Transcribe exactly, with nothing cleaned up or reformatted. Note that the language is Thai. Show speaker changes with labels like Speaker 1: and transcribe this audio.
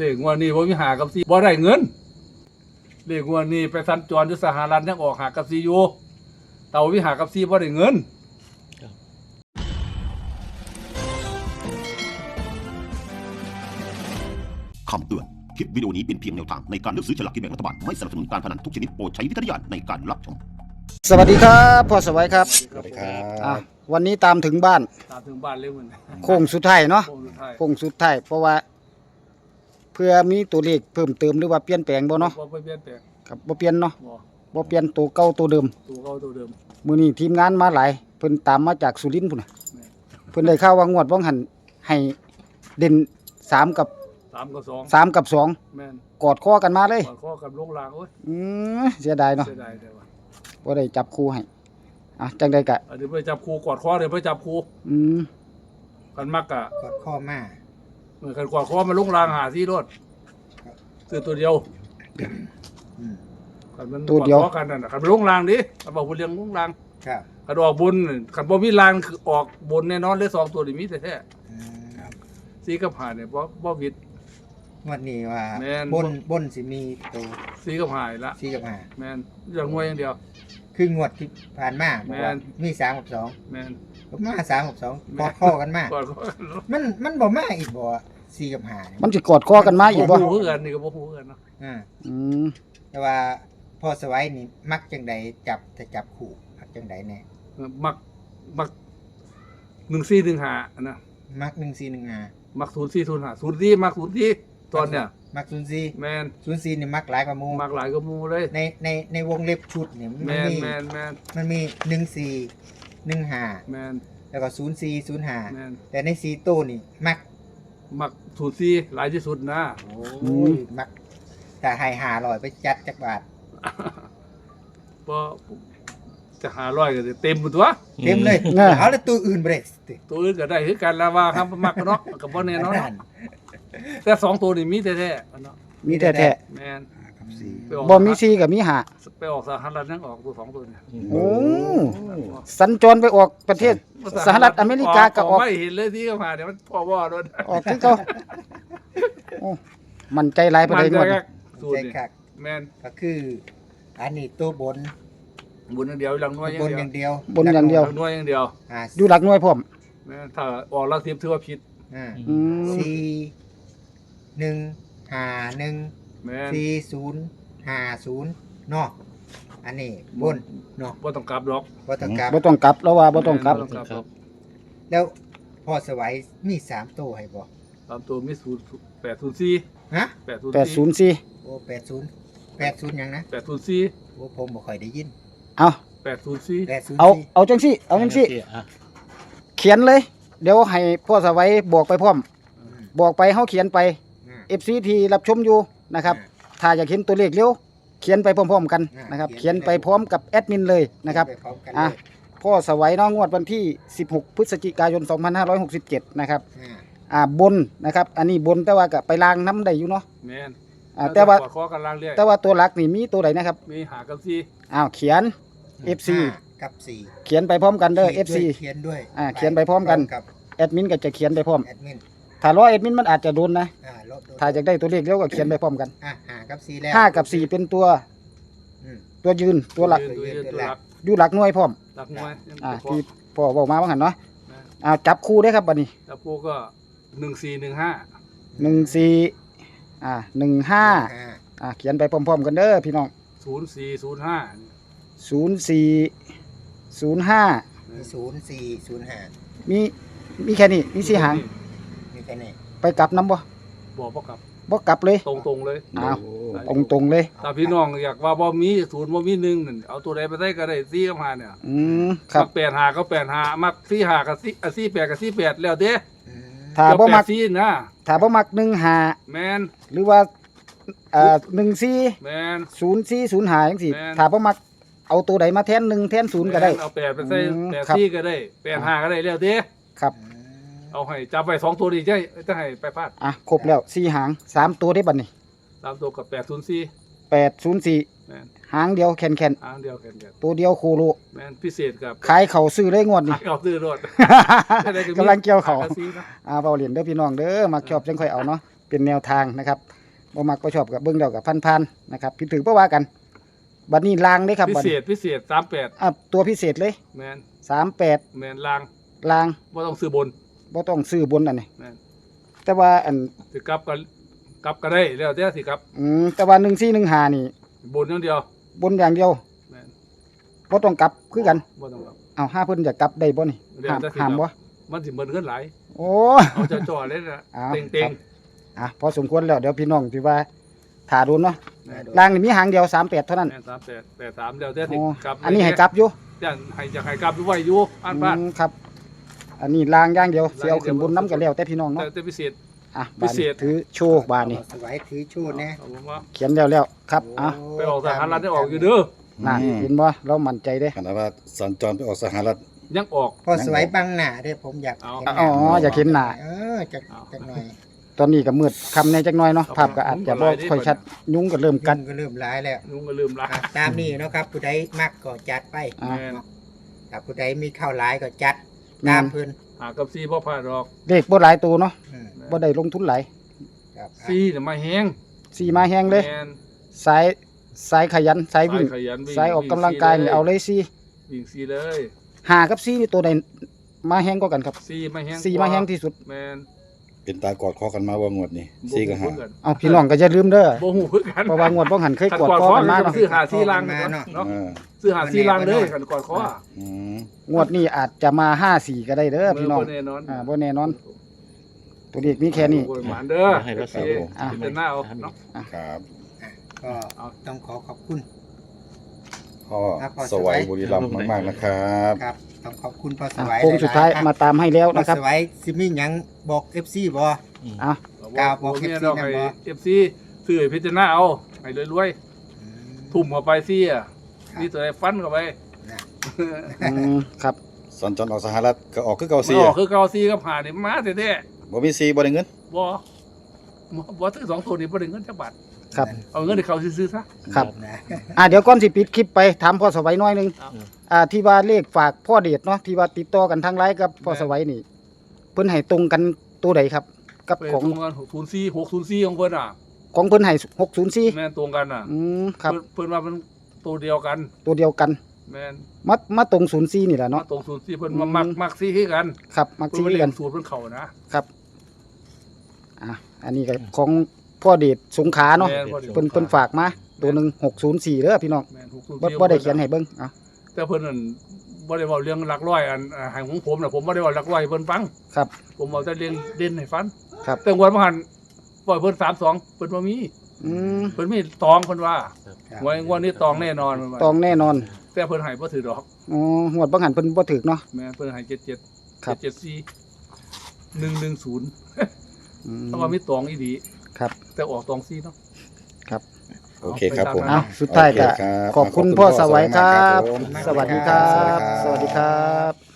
Speaker 1: เลขงวดนี้บ่มีหากับซีบ่ได้เงินเลขงวดนี้ไปสัญจรอยู่สหรัฐยังออกหากับซีอยู่แต่ว่ามีหากับซีบ่ได้เงิน
Speaker 2: คำเตือนคลิปวิดีโอนี้เป็นเพียงแนวทางในการเลือกซื้อฉลากกินแบ่งรัฐบาลไม่สนับสนุนการพนันทุกชนิดโปรดใช้วิจารณญาณในการรับชม
Speaker 3: สวัสดีครับพ่อสวัยครับ
Speaker 1: สวัสดีครับ
Speaker 3: อ่ะวันนี้ตามถึงบ้าน
Speaker 1: ตามถึงบ้านเร็วมัน
Speaker 3: โค้งสุดท้ายเนาะ
Speaker 1: โค้งสุดท้าย
Speaker 3: โค้งสุดท้ายเพราะว่าเพื่อมีตัวเลขเพิ่มเติมหรือว่าเปลี่ยนแปลงบ่เนาะ
Speaker 1: บ่เปลี่ยนแปลง
Speaker 3: ครับบ่เปลี่ยนเนาะ
Speaker 1: บ่
Speaker 3: บ่เปลี่ยนตัวเก่าตัวเดิม
Speaker 1: ตัวเก่าตัวเดิม
Speaker 3: มื้อนี้ทีมงานมาหลายเพิ่นตามมาจากสุรินทร์พุ่นน่ะเพิ่นได้ข่าวว่างวดบ่หันให้เด่นสามกับ
Speaker 1: สามกับสอง
Speaker 3: สามกับสอง
Speaker 1: แม่น
Speaker 3: กอดคอกันมาเลย
Speaker 1: กอดคอกับลงลางโอ้ย
Speaker 3: อือเสียดายเนาะ
Speaker 1: เสียดายแต่ว่า
Speaker 3: บ่ได้จับคู่ให้อ่ะจังได๋ก็
Speaker 1: เดี๋ยวไปจับคู่กอดคอเดี๋ยวไปจับคู่
Speaker 3: อืม
Speaker 1: กันมักกะ
Speaker 4: กอดข้อมา
Speaker 1: เหมือนกันกอดคอมาลงลางหาซี่รถซื้อตัวเดียว
Speaker 4: อืม
Speaker 1: กันมันตัวเดียวกันนั่นน่ะกันลงลางดิเอาบอกบ่เลี้ยงลงลาง
Speaker 4: ครับ
Speaker 1: คันออกบนคันบ่มีลางคือออกบนแน่นอนเลยสองตัวนี่มีแท้ๆ
Speaker 4: อืมครับ
Speaker 1: สีกับหาเนี่ยบ่บ่วิด
Speaker 4: งวดนี้ว่า
Speaker 1: แม่น
Speaker 4: บนบนสิมีตัว
Speaker 1: สีกับหายละ
Speaker 4: สี่กับห้า
Speaker 1: แม่นอย่างงวยอย่างเดียว
Speaker 4: คืองวดที่ผ่านมาบอกว่า
Speaker 1: แม่น
Speaker 4: มีสามกับสอง
Speaker 1: แม่น
Speaker 4: ผมมาสามกับสองกอดข้อกันมาก
Speaker 1: กอดคอ
Speaker 4: มันมันบ่มาอีกบ่สี่กับห้าเนี่ย
Speaker 3: มันสิกอดคอกันมาอีกบ่
Speaker 1: บ่ฮู้คือกันนี่ก็บ่ฮู้คือกันเนาะ
Speaker 4: อ่า
Speaker 3: อืม
Speaker 4: แต่ว่าพ่อสวัยนี่มักจังใดจับถ้าจับคู่มักจังใดแน่
Speaker 1: มักมักหนึ่งสี่หนึ่งห้าอันนะ
Speaker 4: มักหนึ่งสี่หนึ่งห้า
Speaker 1: มักศูนย์สี่ศูนย์ห้าศูนย์สี่มักศูนย์สี่ตอนเนี้ย
Speaker 4: มักศูนย์สี่
Speaker 1: แม่น
Speaker 4: ศูนย์สี่นี่มักหลายกว่าหมู่
Speaker 1: มักหลายก็หมู่เลย
Speaker 4: ในในในวงเล็บชุดเนี่ยมัน
Speaker 1: แม่น
Speaker 4: มี
Speaker 1: แม่นแม่น
Speaker 4: มันมีหนึ่งสี่หนึ่งห้า
Speaker 1: แม่น
Speaker 4: แล้วก็ศูนย์สี่ศูนย์ห้า
Speaker 1: แม่น
Speaker 4: แต่ในสี่ตู้นี่มัก
Speaker 1: มักศูนย์สี่หลายที่สุดนะ
Speaker 4: โอ้ยมักแต่ให้หาลอยไปจัดจักบาท
Speaker 1: บ่จะหาร้อยก็สิเต็มหมดตัว
Speaker 4: เต็มเลยเอาแล้วตัวอื่นเบรก
Speaker 1: ตัวอื่นก็ได้คือกันแล้วว่าครับมักเนาะก็บ่แน่นอนเนาะแต่สองตัวนี่มีแท้ๆเนาะ
Speaker 3: มีแท้
Speaker 1: แม่น
Speaker 4: กับสี่
Speaker 1: ไปออก
Speaker 3: ๆบ่มีสี่ก็มีห้า
Speaker 1: ไปออกสหรัฐยังออกตัวสองตัวเนี่ย
Speaker 3: โอ้สัญจรไปออกประเทศสหรัฐอเมริกาก็ออก
Speaker 1: ไม่เห็นเลยที่เขามาเดี๋ยวมันพ่อว่าโดน
Speaker 3: ออกคือเก่าโอ้มันใจหลายประ
Speaker 1: มัน
Speaker 3: เดี๋ยว
Speaker 1: จะ
Speaker 3: นี้
Speaker 1: สูตร
Speaker 4: ใจ
Speaker 1: นี่
Speaker 4: คัก
Speaker 1: แม่น
Speaker 4: ก็คืออันนี้ตัวบน
Speaker 1: บุญอย่างเดียวหลังน้อยอย่า
Speaker 4: บ
Speaker 1: ง
Speaker 4: น
Speaker 1: เดียว
Speaker 4: อย่างเดียว
Speaker 3: บนอย่างเดียว
Speaker 1: หลังน้อยอย่างเดียว
Speaker 4: อ่า
Speaker 3: อยู่หลักหน่วยพร้อม
Speaker 1: แม่นถ้าออกลักทิพย์ถือว่าผิด
Speaker 4: อ่า
Speaker 3: อืม
Speaker 4: สี่หนึ่งห้าหนึ่ง
Speaker 1: แม่น
Speaker 4: สี่ศูนย์ห้าศูนย์เนาะอันนี้บนเนาะ
Speaker 1: บ่ต้องกลับดอก
Speaker 4: บ่ต้องกลับ
Speaker 3: บ่ต้องกลับแล้วว่าบ่ต้องกลับ
Speaker 1: บ่ต้องกลับ
Speaker 4: แล้วพ่อสวัยมีสามตัวให้บ่
Speaker 1: ตามตัวมีศูนย์แปดศูนย์สี่
Speaker 4: ฮะ
Speaker 1: แปดศูนย์
Speaker 3: แปดศู
Speaker 1: สี่
Speaker 3: นย์สี่
Speaker 4: โอ้แปดศูนย์แปดศูนย์หยังนะ
Speaker 1: แปดศูนย์สี่
Speaker 4: โอ้ผมบ่ค่อยได้ยิน
Speaker 3: เอา
Speaker 1: แปดศูนย์สี่
Speaker 4: แปดศูนย์
Speaker 3: เอา
Speaker 4: สี่
Speaker 3: เอาจังซี่เอาจังซี่เขียนเลย เดี๋ยวให้พ่อสวัยบอกไปพร้อม บอกไปเฮาเขียนไป
Speaker 4: อืม
Speaker 3: เอฟ ซี ที่รับชมอยู่นะครับ ถ้าอยากเห็นตัวเลขเร็วเขียนไปพร้อมๆกัน
Speaker 4: อ่าน
Speaker 3: นะครับ
Speaker 4: เขี
Speaker 3: เขีย
Speaker 4: ย
Speaker 3: น
Speaker 4: น
Speaker 3: ไป
Speaker 4: ไป
Speaker 3: พร้อมกับแอดมินเลยนะครับ
Speaker 4: ไปพร้อมกัน
Speaker 3: อ่ะ
Speaker 4: เลย
Speaker 3: พ่อสวัยเน้องงวดวันที่สิบหกพฤศจิกายนสองพันห้าร้อยหกสิบเจ็ดนะครับ
Speaker 4: อ่า
Speaker 3: อ่าบนนะครับ อันนี้บนแต่ว่าก็ไปล้างน้ำได้อยู่เนาะ
Speaker 1: แม่น
Speaker 3: อ่าแต่ว่า
Speaker 1: ขอขอกันล่างเรียก
Speaker 3: แต่ว่าตัวหลักนี่มีตัวใดนะครับ
Speaker 1: มีหากับสี่
Speaker 3: อ้าวเขียน เอฟ ซี
Speaker 4: ห้ากับสี่
Speaker 3: เขียนไปพร้อมกันเด้อ เอฟ ซี
Speaker 4: เขียนด้วย
Speaker 3: อ่าเขียนไปพร้อมกัน
Speaker 4: กับ
Speaker 3: แอดมินก็จะเขียนไปพร้อม
Speaker 4: แอดมิน
Speaker 3: ถ้ารอแอดมินมันอาจจะโดนนะ
Speaker 4: อ่าลบ
Speaker 3: ถ้าอยากได้ตัวเลขเร็วก็เขียนไปพร้อมกัน
Speaker 4: อ่าห้ากับสี่แล้ว
Speaker 3: ห้ากับสี่เป็นตัว
Speaker 4: อืม
Speaker 3: ตัวยืนตัวหลัก
Speaker 1: ตัวยืนตัวหลัก
Speaker 3: อยู่หลักหน่วยพร้อม
Speaker 1: หลักหน่วย
Speaker 3: อ่า
Speaker 1: พอ
Speaker 3: ที่พ่อบอกมาว่าหันเนาะ
Speaker 1: นะ
Speaker 3: อ่าจับคู่ได้ครับบัดนี้
Speaker 1: แล้วพวกก็หนึ่งสี่หนึ่งห้า
Speaker 3: หนึ่งสี่อ่าหนึ่งห้า
Speaker 4: ห้า
Speaker 3: อ่าเขียนไปพร้อมๆกันเด้อพี่น้อง
Speaker 1: ศูนย์สี่ศูนย์ห้า
Speaker 3: ศูนย์สี่ศูนย์ห้า
Speaker 4: มีศูนย์สี่ศูนย์ห้า
Speaker 3: มีมีแค่นี้มีสี่หาง
Speaker 4: มีแค่นี้
Speaker 3: ไปกลับน้ำบ่
Speaker 1: บอกพ่อกลับ
Speaker 3: บ่กลับเลย
Speaker 1: ตรงตรงๆเลย
Speaker 3: อ้าวตรงตรงๆเลย
Speaker 1: ถ้าพี่น้องอยากว่าบ่มีศูนย์บ่มีหนึ่งนั่นเอาตัวใดไปได้ก็ได้สี่กับห้าเนี่ย
Speaker 3: อืมครับ
Speaker 1: มักแปดหาก็แปดหามักสี่หากับสี่อ่ะสี่แปดกับสี่แปดแล้วเด้
Speaker 4: อืม
Speaker 3: ถ้าบ่มัก
Speaker 1: เดี๋ยวแปดสี่นะ
Speaker 3: ถ้าบ่มักหนึ่งห้า
Speaker 1: แมน
Speaker 3: หรือว่าอ่าหนึ่งสี่
Speaker 1: แมน
Speaker 3: ศูนย์สี่ศูนย์ห้าจังซี่
Speaker 1: แม่น
Speaker 3: ถ้าบ่มักเอาตัวใดมาแทนหนึ่งแทนศูนย์ก็ได้
Speaker 1: แม่นเอาแปดไปใส่
Speaker 3: อืม
Speaker 1: แปด
Speaker 3: ครับ
Speaker 1: สี่ก็ได้แปดหาก็ได้แล้วเด้
Speaker 3: ครับ
Speaker 4: อืม
Speaker 1: เอาให้จับไปสองตัวดีจะให้จะให้ไปพลาด
Speaker 3: อ่ะครบแล้วสี่หางสามตัวได้บัดนี้
Speaker 1: ตามตัวกับแปดศูนย์สี่
Speaker 3: แปดศูนย์สี่
Speaker 1: แมน
Speaker 3: หางเดียวแคนแคน
Speaker 1: อันเดียวกันกัน
Speaker 3: ตัวเดียวโคโล
Speaker 1: แมนพิเศษกับ
Speaker 3: ขายเขาซื้อได้งวดนี่
Speaker 1: เอาซื้อรถ
Speaker 3: กำลังเกี่ยวเขา
Speaker 1: หกระซีนะ
Speaker 3: อ่าเบาเหรียญเด้อพี่น้องเด้อมาชอบจังค่อยเอาเนาะเป็นแนวทางนะครับบ่มักบ่ชอบกับเบิ่งแล้วกับพันๆนะครับผิดถือบ่ว่ากันบัดนี้ลางเด้ครับ
Speaker 1: พิ
Speaker 3: บัด
Speaker 1: เศ
Speaker 3: นี้
Speaker 1: ษพิเศษสามแปด
Speaker 3: อ่ะตัวพิเศษเลย
Speaker 1: แมน
Speaker 3: สามแปด
Speaker 1: แมนลาง
Speaker 3: ลาง
Speaker 1: ว่าต้องซื้อบน
Speaker 3: บ่ต้องซื้อบนอันนี้
Speaker 1: แมน
Speaker 3: แต่ว่าอัน
Speaker 1: สิกลับก็กลับก็ได้แล้วแต่สิครับ
Speaker 3: อืมแต่ว่าหนึ่งสี่หนึ่งห้านี่
Speaker 1: บนอย่างเดียว
Speaker 3: บนอย่างเดียว
Speaker 1: แมน
Speaker 3: บ่ต้องกลับคือกัน
Speaker 1: บ่ต้องกลับ
Speaker 3: เอาห้าเพิ่นจะกลับได้บ่นี่
Speaker 1: เดี๋ยว
Speaker 3: ห้าม
Speaker 1: จะสิ
Speaker 3: ห้าม
Speaker 1: กลั
Speaker 3: บ่
Speaker 1: บ มันสิเหมือนกันหลาย
Speaker 3: โอ้
Speaker 1: เอาจะจ่อเลยนะ
Speaker 3: เอา
Speaker 1: เต็งเต็
Speaker 3: ครั
Speaker 1: ง
Speaker 3: บ อ่ะพอสมควรแล้วเดี๋ยวพี่น้องที่ว่าถ่าโดนเนาะ
Speaker 1: แม่น
Speaker 3: ลางนี่มีหางเดียวสามแปดเท่านั้น
Speaker 1: แมนสามแปดแปดสามแล้วแต่สิ
Speaker 3: อ๋อก
Speaker 1: ลับ
Speaker 3: อันนี้ให้กลับอยู่
Speaker 1: แต่ให้จะให้กลับไว้อยู่อ่านบ้าน
Speaker 3: อืมครับ อันนี้ลางอย่างเดียวสิเอาขึ้นบนน้ำกันแล้วแต่พี่น้อง
Speaker 1: แต่
Speaker 3: เนาะ
Speaker 1: แต่พิเศษ
Speaker 3: อ่ะ
Speaker 1: พิ
Speaker 3: บาน
Speaker 1: เศ
Speaker 3: นี้
Speaker 1: ษ
Speaker 3: ถือโชว์บานนี้
Speaker 4: พอสวัยถือโชว์แน่
Speaker 1: เอาผมว่า
Speaker 3: เขียนแล้วแล้วครับอ่ะ
Speaker 4: โ
Speaker 1: ไปออกสหรัฐได้ออกอยู่เด้อ
Speaker 3: น่ะเห็นบ่เรามั่นใจเด้
Speaker 5: ขณะว่าสัญจรไปออกสหรัฐ
Speaker 1: ยังออก
Speaker 4: พอสวัยบังหน้าเด้อผมอยาก
Speaker 1: เอา
Speaker 4: เห็นห
Speaker 3: อ๋
Speaker 4: น้า
Speaker 3: ออยากเห็นหน้า
Speaker 4: เออจักจักหน่อย
Speaker 3: ตอนนี้ก็มืดคำในจักหน่อยเนาะภาพก็อาจจะบ่ค่อยชัดยุงก็เริ่มกั
Speaker 4: กั
Speaker 3: ด
Speaker 4: นก็เริ่มร้ายแล้ว
Speaker 1: ลุงก็ลืมละ
Speaker 4: อ่ะตามนี้เนาะครับผู้ใดมักก็จัดไป
Speaker 3: อ่า
Speaker 1: แมน
Speaker 4: ถ้าผู้ใดมีข้าวหลายก็จัด
Speaker 3: แม่น
Speaker 4: ตามเพิ่น
Speaker 1: หากับซีพ่อพลาดหรอก
Speaker 3: เลขบ่หลายตัวเนาะ
Speaker 4: อืม
Speaker 3: บ่ได้ลงทุนหลาย
Speaker 4: ครับ
Speaker 1: ซีเนี่ยมาแห้ง
Speaker 3: สี่มาแห้งเลย
Speaker 1: แมน
Speaker 3: สายสายขยันสายวิ่ง
Speaker 1: ขยันวิ่ง
Speaker 3: สายออกกำลังกายนี่เอาเลยสี่
Speaker 1: วิ่งซีเลย
Speaker 3: หากับสี่นี่ตัวใดมาแห้งกว่ากันครับ
Speaker 1: ซีมาแห้ง
Speaker 3: สี่มาแห้งที่สุด
Speaker 1: แมน
Speaker 5: เป็นตากอดคอกันมาว่างวดนี้สี่กับห้า
Speaker 1: บ่ฮู้คือกัน
Speaker 3: เอาพี่น้องก็อย่าลืมเด้อ
Speaker 1: บ่ฮู้คือกัน
Speaker 3: เพราะว่างวดบ่หันเคย
Speaker 1: ขัน
Speaker 3: กด
Speaker 1: กอด
Speaker 3: คอ
Speaker 1: คอ
Speaker 3: กันมา
Speaker 1: มา
Speaker 3: เนาะ
Speaker 1: ซื้อหาซีลังเนาะเนาะ
Speaker 5: อ่า
Speaker 1: ซื้อหาซีลังเลยขันกอดคอ
Speaker 5: อืม
Speaker 3: งวดนี้อาจจะมาห้าสี่ก็ได้เด้อพี่น้อง
Speaker 1: บ่แน่นอน
Speaker 3: อ่าบ่แน่นอน ตัวเลขมีแค่นี้
Speaker 1: โอ้ยหวานเด้อ
Speaker 6: ให้รักษา
Speaker 1: โอเค
Speaker 3: อ่ะ
Speaker 1: เป็นหน้าเอาเนาะ
Speaker 5: ครับ
Speaker 4: ก็ต้องขอขอบคุณ
Speaker 5: พ่อ
Speaker 4: ครับพ่อ
Speaker 5: สวัย
Speaker 4: สวัย
Speaker 5: บุรีรัมย์มากๆนะครับ
Speaker 4: ครับต้องขอบคุณพอส
Speaker 3: อ่ะ
Speaker 4: วัย
Speaker 3: โค้งสุดท้าย
Speaker 4: หลๆครับ
Speaker 3: มาตามให้แล้ว
Speaker 4: พอ
Speaker 3: นะครับ
Speaker 4: สวัยสิมีหยังบอก เอฟ ซี บ่
Speaker 3: อ่ะ
Speaker 4: กล่าวบอก
Speaker 1: เอฟ
Speaker 4: เอฟ
Speaker 1: ซี
Speaker 4: ซี
Speaker 1: ให้
Speaker 4: นำบ่
Speaker 1: เอฟซีซื้อให้พิจารณาเอาให้รวยๆทุ่มเข้าไปซีอ่ะนี่ตัวไอ้ฟันเข้าไป
Speaker 4: นะ
Speaker 3: อืมครับ
Speaker 5: สัญจรออกสหรัฐก็ออกคือเก่า
Speaker 1: มัน
Speaker 5: สี่
Speaker 1: ออกคือเกาซีกับผ่านี่มาแท้
Speaker 5: บ่มีสี่บ่ได้เงิน
Speaker 1: ๆบ่บ่ซื้อสองตัวนี้บ่ได้เงินจักบาท
Speaker 3: ครับ
Speaker 1: เอาเงินให้เขาซื้อๆซะ
Speaker 3: ครับ
Speaker 4: นะ
Speaker 3: อ่ะเดี๋ยวก่อนสิปิดคลิปไปถามพ่อสวัยหน้อยหนึง
Speaker 1: เอา
Speaker 3: อ่าที่ว่าเลขฝากพ่อเดชเนาะที่ว่าติดต่อกันทางไลน์กับพ่อสวัยนี่เพิ่นให้ตรงกันตัวใดครับ กับ
Speaker 1: ไป
Speaker 3: ของ
Speaker 1: ตรงกันหกศูนย์สี่ หกศูนย์สี่ของเพิ่นอ่ะ
Speaker 3: ของเพิ่นให้หกศูนย์สี่
Speaker 1: แม่นตรงกันอ่ะ
Speaker 3: อืมครับ
Speaker 1: เพิ่นเพิ่นว่ามันตัวเดียวกัน
Speaker 3: ตัวเดียวกัน
Speaker 1: แม่น
Speaker 3: มามาตรงศูนย์สี่นี่แหละ
Speaker 1: มา
Speaker 3: เนาะ
Speaker 1: ตรงศูนย์สี่เพิ่น
Speaker 3: อืม
Speaker 1: มามักมักซี่คือกัน
Speaker 3: ครับมัก
Speaker 1: เพิ่น
Speaker 3: ซี
Speaker 1: บ่เรีย
Speaker 3: กัน น
Speaker 1: สูตรเพิ่นเข้านะ
Speaker 3: ครับอ่ะอันนี้ก็ของพ่อเดชสงขลาเนาะ
Speaker 1: แม่นบ่ได้
Speaker 3: เพิ่นเพิ่นฝากมาตัวหนึงหกศูนย์สี่เด้อพี่น้อง
Speaker 1: แม่นหกศูนย์
Speaker 3: บ่
Speaker 1: สี่
Speaker 3: บ่ได้เขียนให้เบิ่งอ่ะ
Speaker 1: แต่เพิ่นนั่นบ่ได้เว้าเรื่องหลักร้อยอันอ่าให้ของผมน่ะผมบ่ได้เว้าหลักร้อยให้เพิ่นฟัง
Speaker 3: ครับ
Speaker 1: ผมเอาแต่เรียนเด่นให้ฟัง
Speaker 3: ครับ
Speaker 1: แต่วันบ่หันปล่อยเพิ่นสามสองเพิ่นบ่มี
Speaker 3: อืม
Speaker 1: เพิ่นมีตองเพิ่นว่า
Speaker 4: ครับ
Speaker 1: งวดงวดนี้ตองแน่นอนเพิ่นว่า
Speaker 3: ตองแน่นอน
Speaker 1: แต่เพิ่นให้บ่ถือดอก
Speaker 3: อ๋อหวดบังหันเพิ่นบ่ถึกเนาะ
Speaker 1: แม่นเพิ่นให้เจ็ดเจ็ด
Speaker 3: ครับ
Speaker 1: เจ็ดสี่หนึ่งหนึ่งศูนย์
Speaker 3: อืม
Speaker 1: เพราะว่ามีตองอีดี
Speaker 3: ครับ
Speaker 1: แต่ออกตองซี่เนาะ
Speaker 5: โอเคครับผม
Speaker 3: เอาสุดท้ายก็
Speaker 5: โอเคครับ
Speaker 3: ขอบคุณ
Speaker 5: ขอบคุณ
Speaker 3: พ่อ
Speaker 5: พ่อ
Speaker 3: สวัย
Speaker 5: สวัย
Speaker 3: ครั
Speaker 5: มาก
Speaker 3: บ
Speaker 5: ครับผม
Speaker 3: สวัสดีครับ
Speaker 5: ส
Speaker 3: ส
Speaker 5: วั
Speaker 3: วัส
Speaker 5: สดี
Speaker 3: ดีค
Speaker 5: ครั
Speaker 3: รับ บ